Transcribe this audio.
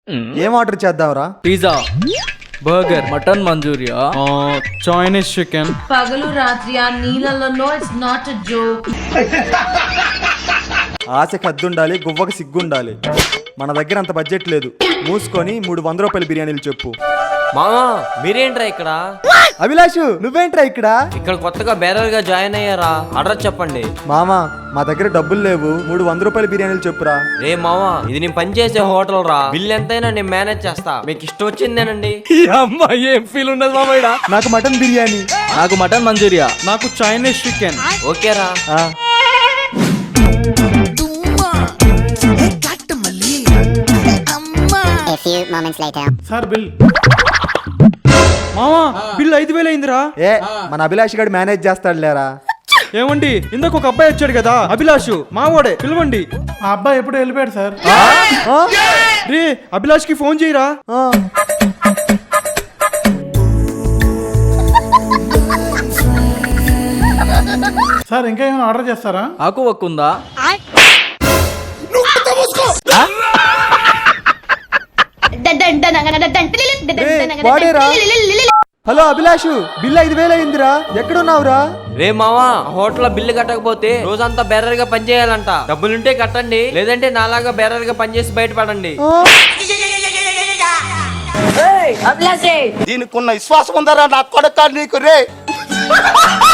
ఏం ఆర్డర్ చేద్దాంరా? Pizza, burger, mutton manchuria, Chinese chicken. పగలు రాత్రి ఆ నీళ్ళలో ఇట్స్ నాట్ ఎ జోక్. ఆశకి హద్దుండాలి, గువ్వకి సిగ్గుండాలి. మన దగ్గర అంత బడ్జెట్ లేదు. మూసుకొని 300 రూపాయల బిర్యానీలు చెప్పు. మామా మీరేంట్రా ఇక్కడ? అభిలాషు నువ్వేంట్రా ఇక్కడ? ఇక్కడ కొత్తగా బేరర్ గా జాయిన్ అయ్యారా? అడ్రస్ చెప్పండి. మామా మా దగ్గర డబ్బులు లేవు, 300 రూపాయల బిర్యానీలు చెప్పురా. రే మామా ఇది నేను పనిచేసే హోటల్ రా, బిల్ ఎంతైనా నేను మేనేజ్ చేస్తా, మీకు ఇష్టం వచ్చిందేనండి. అమ్మా ఏం ఫీల్ ఉండదు మామయ్య. నాకు మటన్ బిర్యానీ. నాకు మటన్ మంచూరియా. నాకు చైనీస్ చికెన్. ఓకేరా. Sir bill. మామా బిల్ 5,000 అయిందిరా. ఏ మన అభిలాష్ గారు మేనేజ్ చేస్తాడు లేరా? ఏమండి ఇందాక ఒక అబ్బాయి వచ్చాడు కదా, అభిలాష్ మావాడే, పిలవండి. ఆ అబ్బాయి ఎప్పుడు వెళ్ళిపోయాడు సార్. రే అభిలాష్ కి ఫోన్ చేయరా. సార్ ఇంకా ఏమైనా ఆర్డర్ చేస్తారా? ఆకు వక్కుందా? వాడేరా? హలో అభిలాషు, బిల్ 5,000 అయిందిరా. ఎక్కడున్నావురా? రే మామా హోటల్ బిల్లు కట్టకపోతే రోజంతా బేరర్ గా పని చేయాలంట. డబ్బులుంటే కట్టండి, లేదంటే నాలాగా బేరర్ గా పనిచేసి బయటపడండి. దీనికి ఉన్న విశ్వాసం ఉందరా నా కొడుకు నీకు రే.